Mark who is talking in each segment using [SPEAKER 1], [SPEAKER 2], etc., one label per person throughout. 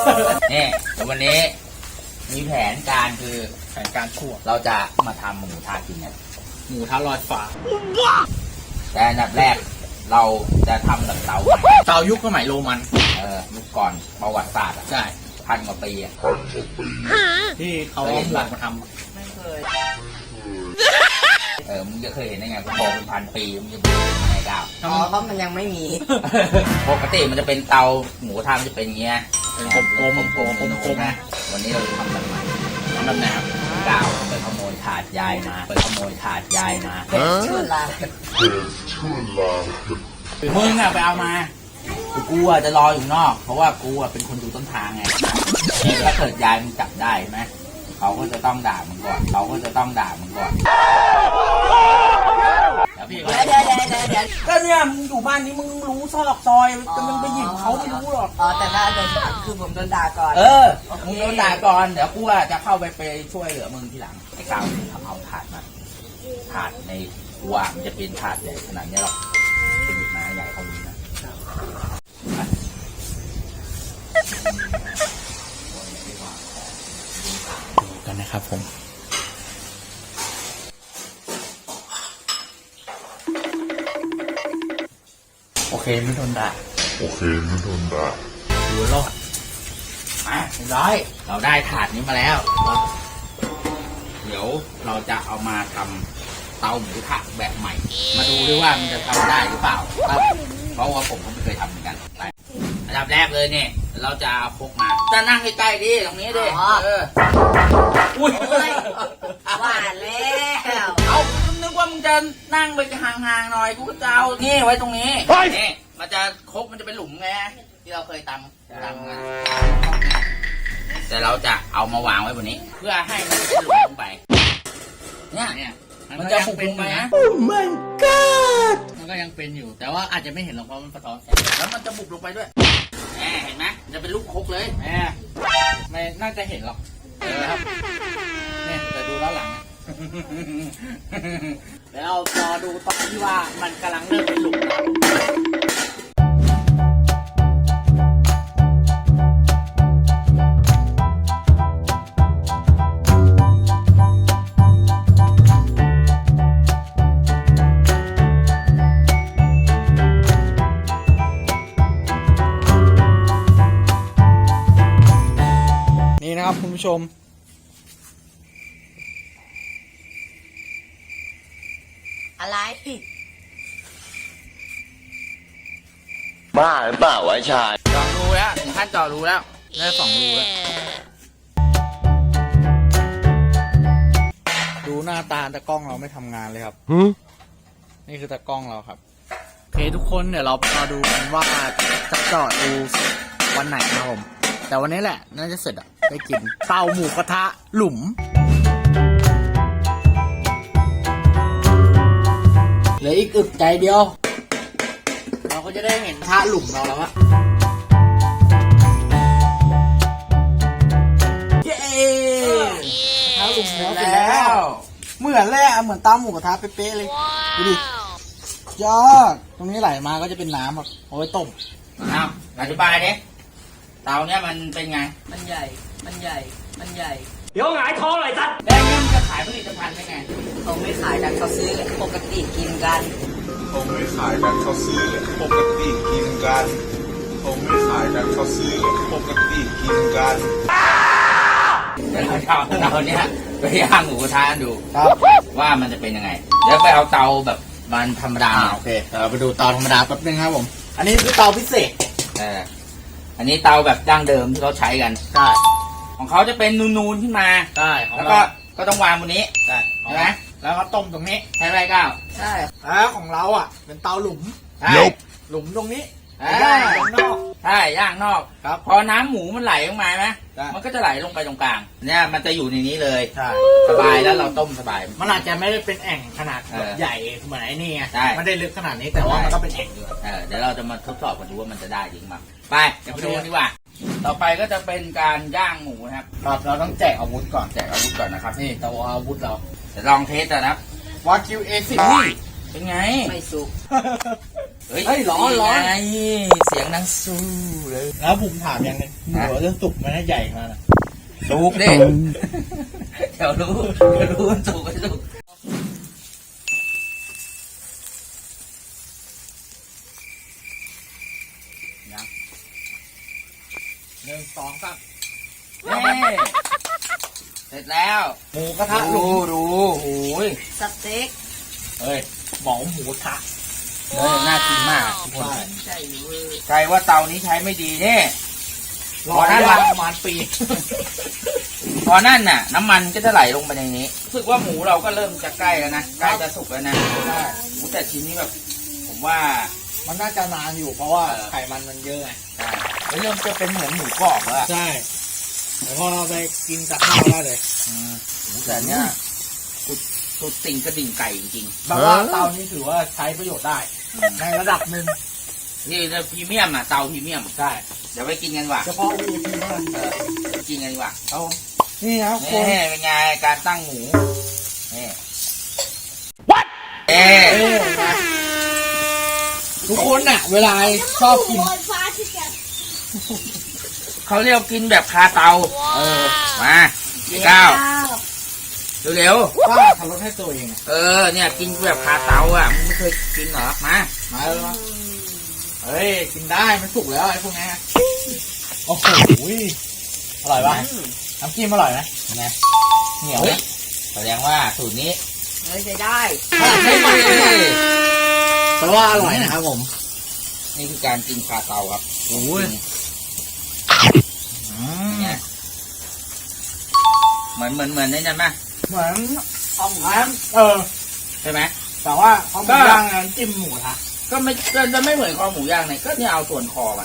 [SPEAKER 1] นี่วันนี้มีแผนการคือ
[SPEAKER 2] แผนการชั่ว
[SPEAKER 1] เราจะมาทำหมูทากินกัน
[SPEAKER 2] หมูทะลอยฟ้า
[SPEAKER 1] แต่อันดับแรกเราจะทำแบบเตาใหม่
[SPEAKER 2] เตายุคสมัยโรมัน
[SPEAKER 1] ยุคก่อนประวัติศาสตร์อะ
[SPEAKER 2] ใช่
[SPEAKER 1] 1,000 กว่าปีอะ
[SPEAKER 2] ที่เขาเอาหมูมาท
[SPEAKER 1] ไม่เคยมึงจะเคยเห็นได้ไงกูบอกเป็น1,000 ปีมึงจะรู้ได้ไงก้าว
[SPEAKER 2] ำ
[SPEAKER 3] เพราะมันยังไม่มี
[SPEAKER 1] ปกติมันจะเป็นเตาหมูทามันจะเป็นอย่างเงี้ย
[SPEAKER 2] เป็นกลมๆ
[SPEAKER 1] นะวันนี้เราจะทำแบบใหม่
[SPEAKER 2] ทำแบบไหนครับ
[SPEAKER 1] ก้าวไปขโมยถาดยายมา
[SPEAKER 3] ชื่อลา
[SPEAKER 1] มึงอะไปเอามากูอะจะรออยู่นอก เพราะว่ากูอะเป็นคนดูต้นทางไงถ้าเกิดยายมึงจับได้ไหมเขาก็จะต้องด่ามึงก่อนแล้วพี่
[SPEAKER 3] เดี๋ยว
[SPEAKER 1] ก็เนี่ยมึงอยู่บ้านนี้มึงรู้ซอกซอยจะมึงไปหยิบเขาไม่รู้หรอก
[SPEAKER 3] อ๋อแต่ถ้าโดนคือผมโดนด่าก่อน
[SPEAKER 1] มึงโดนด่าก่อนเดี๋ยวกูอะจะเข้าไปช่วยเหลือมึงทีหลังไอ้กาวทำเอาถาดมาถาดในกูอะมันจะเป็นถาดใหญ่ขนาดนี้หรอกไปหยิบมาใหญ่เขานี้นะ
[SPEAKER 2] กันนะครับผมโอเคไม่โดนด่าดูรอด
[SPEAKER 1] มาเรียบร้อยเราได้ถาดนี้มาแล้ว เดี๋ยวเราจะเอามาทำเตาหมูทะแบบใหม่ มาดูด้วยว่ามันจะทำได้หรือเปล่าครับเพราะว่าผมก็ไม่เคยทำเหมือนกันไปอันดับแรกเลยเนี่ยเราจะเอาพกมาจะนั่งใกล้ๆดิตรงนี้ดิอุ้ย
[SPEAKER 3] ว่าแล้ว
[SPEAKER 1] เอานึกว่ามึงจะนั่งไปห่างๆหน่อยกูก็จะเอานี่ไว้ตรงนี้นี่มันจะครกมันจะเป็นหลุมไงที่เราเคยตำกันแต่เราจะเอามาวางไว้บนนี้ เพื่อให้มันเป็นหลุมลงไปเนี่ยมันจะปุกลงไปนะ
[SPEAKER 2] Oh my god มันก็ยังเป็นอยู่แต่ว่าอาจจะไม่เห็นหรอกเพราะมันสะท้อนแสง
[SPEAKER 1] แล้วมันจะบุกลงไปด้วยเห็นไหมมันจะเป็นลูกครกเลย
[SPEAKER 2] ไม่น่าจะเห็นหรอกนะครับเนี่ยแต่ดูแล้วหลังเดี๋ยวเรารอดูตอนที่ว่ามันกำลังเริ่มเป็นหลุมนะครับนี่นะครับคุณผู้ชม
[SPEAKER 3] อะไร
[SPEAKER 4] บ้าหรือเปล่าวะชาย
[SPEAKER 1] เจาะรูแล้วถึงขั้นเจาะรูแล้วได้2 รูแล้ว
[SPEAKER 2] ดูหน้าตาตะกล้องเราไม่ทำงานเลยครับนี่คือตะกล้องเราครับโอเคทุกคนเดี๋ยวเรามาดูกันว่าจะเจาะดูวันไหนนะครับผมแต่วันนี้แหละน่าจะเสร็จได้กินเตาหมูกระทะหลุมเหลืออีกอึกใจเดียวเราก็จะได้เห็นกระทะหลุมเราแล้วอะเย้กระทะหลุมแล้วเสร็จแล้วเหมือนแหละเหมือนเตาหมูกระทะเป๊ะๆเลยดูดิยอดตรงนี้ไหลมาก็จะเป็นน้ำแบบเอาไว้ต้ม
[SPEAKER 1] เอาอธิบายดิเตาเนี้ยมันเป็นไง
[SPEAKER 3] มันใหญ่
[SPEAKER 5] เดี๋ยวหงายท้องเลยสัตว์
[SPEAKER 1] แล้วเนี่ยมันจะขายผลิตภัณฑ์ได้ไง
[SPEAKER 3] เขาไม่ขายกันเขาซื้อปกติกินกัน
[SPEAKER 6] คงไม่ขายกันเขาซื้อปกติกินกันคงไม่ขายกันเขาซื้อปกติกินกัน
[SPEAKER 1] เดี๋ยวเราจะเอาเตาเนี้ยไปย่างหมูกระทะดู
[SPEAKER 2] ครับ
[SPEAKER 1] ว่ามันจะเป็นยังไงเดี๋ยวไปเอาเตาแบบมันธรรมดา
[SPEAKER 2] โอเคเดี๋ยวเราไปดูเตาธรรมดาแป๊บนึงครับผม อันนี้คือเตาพิเศษ
[SPEAKER 1] อันนี้เตาแบบดั้งเดิมที่เขาใช้กัน
[SPEAKER 2] ใช่
[SPEAKER 1] ของเขาจะเป็นนูนๆขึ้นมา
[SPEAKER 2] ใช่ของ
[SPEAKER 1] แล้ว
[SPEAKER 2] เรา
[SPEAKER 1] ก็ต้องวางบนนี้
[SPEAKER 2] ใช่
[SPEAKER 1] ใช่ไหม
[SPEAKER 2] แล้วก็ต้มตรงนี้
[SPEAKER 1] ใช่ไหมก้าว
[SPEAKER 3] ใช่
[SPEAKER 2] แล้วของเราอ่ะ เป็นเตาหลุม
[SPEAKER 1] ใช่
[SPEAKER 2] หลุมตรงนี้
[SPEAKER 1] อ่า
[SPEAKER 2] ย่างตรงนอก
[SPEAKER 1] ใช่ย่างนอก
[SPEAKER 2] ครับ
[SPEAKER 1] พอน้ำหมูมันไหลลงมาไหม
[SPEAKER 2] ใช่
[SPEAKER 1] มันก็จะไหลลงไปตรงกลาง เนี่ยมันจะอยู่ในนี้เลย
[SPEAKER 2] ใช่
[SPEAKER 1] สบายแล้วเราต้มสบาย
[SPEAKER 2] มันอาจจะไม่ได้เป็นแอ่งขนาดแบบ
[SPEAKER 1] เออ
[SPEAKER 2] ใหญ่เหมือนไอ้นี่ไง
[SPEAKER 1] ใช่
[SPEAKER 2] ไม่ได้ลึกขนาดนี้แต่ว่ามันก็เป็นแอ่งอยู่
[SPEAKER 1] เดี๋ยวเราจะมาทดสอบกันดูว่ามันจะได้จริงมั้ยไปเดี๋ยวไปดูกันดีกว่า ต่อไปก็จะเป็นการย่างหมูนะครับ
[SPEAKER 2] ครับเราต้องแจกอาวุธก่อน
[SPEAKER 1] แจกอาวุธก่อนนะครับ
[SPEAKER 2] นี่เตาอาวุธเรา
[SPEAKER 1] เดี๋ยวลองเทสกันนะครับ
[SPEAKER 2] วาคิว A10
[SPEAKER 1] เป็นไง
[SPEAKER 3] ไม่สุก
[SPEAKER 1] เฮ้ย
[SPEAKER 2] เฮ้ยร้อน
[SPEAKER 1] ไงเสียงดังสู้เลย
[SPEAKER 2] แล้วผมถามอย่างหนึงหมูจะสุกมันใหญ่มานะ
[SPEAKER 1] สุกดิเดี๋ยวรู้มันสุกไม่สุก
[SPEAKER 2] 1 2 3
[SPEAKER 1] นี่เสร็จแล้ว
[SPEAKER 2] หมูกระทะหลุ
[SPEAKER 1] ดู
[SPEAKER 2] ม
[SPEAKER 1] โอ้ย
[SPEAKER 3] สเต็ก
[SPEAKER 2] เฮ้ยบอกหมูกระทะ
[SPEAKER 1] น่ากินมากทุกคน
[SPEAKER 3] ใช่เวอร์
[SPEAKER 1] ใครว่าเตานี้ใช้ไม่ดีเนี่ย
[SPEAKER 2] รอได้ประมาณปี
[SPEAKER 1] พอนั่นน่ะ น้ำมันก็จะไหลลงไปในนี้รู้สึกว่าหมูเราก็เริ่มจะใกล้แล้วนะใกล้จะสุกแล้วนะ
[SPEAKER 2] ใช่
[SPEAKER 1] หมูแต่ชิ้นนี้แบบ ผมว่า
[SPEAKER 2] มันน่าจะนานอยู่เพราะว่าไขมันมันเยอะไง
[SPEAKER 1] ใช่เริ่มจะเป็นเหมือนหมูกรอบแล้วอะ
[SPEAKER 2] ใช่แล้วพอเราไปกินกับข้าวได้เลย
[SPEAKER 1] หมูแต่เนี้ยสุดติ่งกระดิ่งไก่จริง
[SPEAKER 2] แบบว่าเตานี้ถือว่าใช้ประโยชน์ได้ ในระดับหนึ่ง
[SPEAKER 1] ๆนี่พรีเมียมอ่ะเตาพรีเมียม
[SPEAKER 2] ใช่
[SPEAKER 1] เดี๋ยวไปกินกันดีกว่า
[SPEAKER 2] เฉพาะ VIP เท่านั้น
[SPEAKER 1] ไปกินกันดีกว่า
[SPEAKER 2] เอานี่นะครับค
[SPEAKER 1] นี่
[SPEAKER 2] น
[SPEAKER 1] เป็นไงการตั้งหมูนี่เอ๊
[SPEAKER 2] เอ้ยนะทุกคนน่ะ เวลาชอบกิน
[SPEAKER 1] เขาเรียกกินแบบคาเตามาพี่ก้าวเร็ว
[SPEAKER 2] ป้าขับรถให้ตัวเองอะ
[SPEAKER 1] เนี่ยกินแบบคาเตาอ่ะมึงไม่เคยกินเหรอมา
[SPEAKER 2] มาเลยมาเฮ้ย กินได้ มันสุกแล้วไอ้พวกนี้โอ้โหอร่อยปะน้ำจิ้มอร่อยไหม
[SPEAKER 1] เป็นไง
[SPEAKER 2] เหนียว
[SPEAKER 1] เฮ้ย
[SPEAKER 2] นะ
[SPEAKER 1] แสดงว่าสูตรนี้
[SPEAKER 3] เฮ้ยใช้ได้
[SPEAKER 1] ไม่มาเลย
[SPEAKER 2] แปลว่าอร่อยนะครับผม
[SPEAKER 1] นี่คือการกินคาเตาครับ
[SPEAKER 2] โอ้ย
[SPEAKER 1] เนี่ยเหมือนนี่ใช่ไหม
[SPEAKER 2] เหมือนเอาหมูย่าง
[SPEAKER 1] ใช่ไหม
[SPEAKER 2] แต่ว่าเขาหมูย่างน้ำจิ้มหมูกระทะ
[SPEAKER 1] ก็ไม่จะไม่เหมือนคอหมูย่างเนี่ยก็เนี่ยเอาส่วนคอมา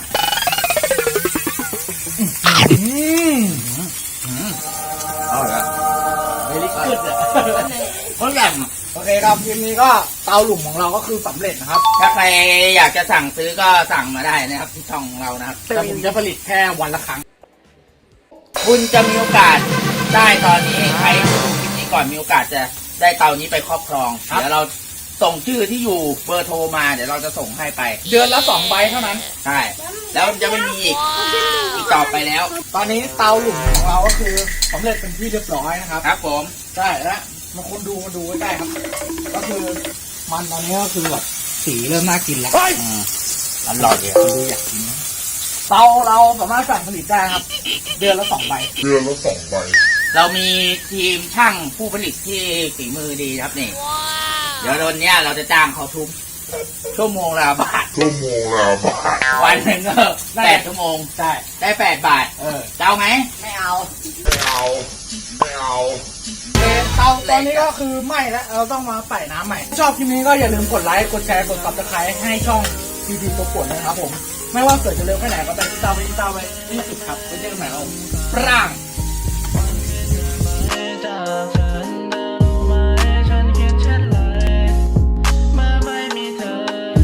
[SPEAKER 1] เอาเหรอ
[SPEAKER 2] เวลิกูดอ่ะ
[SPEAKER 1] เขาแหลม
[SPEAKER 2] โอเคครับทีนี้ก็เตาหลุมของเราก็คือสำเร็จนะครับ
[SPEAKER 1] ถ้าใครอยากจะสั่งซื้อก็สั่งมาได้นะครับที่ช่องของเรานะครับ
[SPEAKER 2] แต่ผมจะผลิตแค่วันละครั้ง
[SPEAKER 1] คุณจะมีโอกาสได้ตอนนี้ใครดูคลิปนี้ก่อนมีโอกาสจะได้เตานี้ไปครอบครอง
[SPEAKER 2] ครับ
[SPEAKER 1] เดี๋ยวเราส่งชื่อที่อยู่เบอร์โทรมาเดี๋ยวเราจะส่งให้ไป
[SPEAKER 2] เดือนละ2 ใบเท่านั้น
[SPEAKER 1] ใช่ แล้วจะไม่มีอีกต่อไปแล้ว
[SPEAKER 2] ตอนนี้เตาหลุมของเราก็คือสำเร็จเป็นที่เรียบร้อยนะครับ
[SPEAKER 1] ครับผม
[SPEAKER 2] ใช่แล้วมาคนดูมาดูใกล้ๆครับ ก็คือมันตอนนี้ก็คือแบบสีเริ่มน่ากินแล้ว
[SPEAKER 1] อร่อยเลย
[SPEAKER 2] คนดูอยากกินนะเตาเราสามารถสั่งผลิตได้ครับ เดือนละ 2 ใบ
[SPEAKER 6] เดือนละ2 ใบ
[SPEAKER 1] เรามีทีมช่างผู้ผลิตที่ฝีมือดีครับนี่เดี๋ยววันเนี้ยเราจะจ้างเขาทุกชั่วโมงละบาท
[SPEAKER 6] ชั่วโมงละบาท
[SPEAKER 1] วันหนึ่งก็8 ชั่วโมง
[SPEAKER 2] ใช่
[SPEAKER 1] ได้8 บาท จะเอาไหม
[SPEAKER 3] ไม่เอา
[SPEAKER 6] ไม่เอา ไม่เอา
[SPEAKER 2] เตาตอนนี้ก็คือไหม้แล้วเราต้องมาใส่น้ำใหม่ ชอบคลิปนี้ก็อย่าลืมกดไลค์กดแชร์กด subscribe ให้ช่องพีพีตัวปวดนะครับผม ไม่ว่าเกิดจะเร็วแค่ไหนก็ไปติดตามไปที่สุดครับไว้เจอกันใหม่ครับผมปร่าง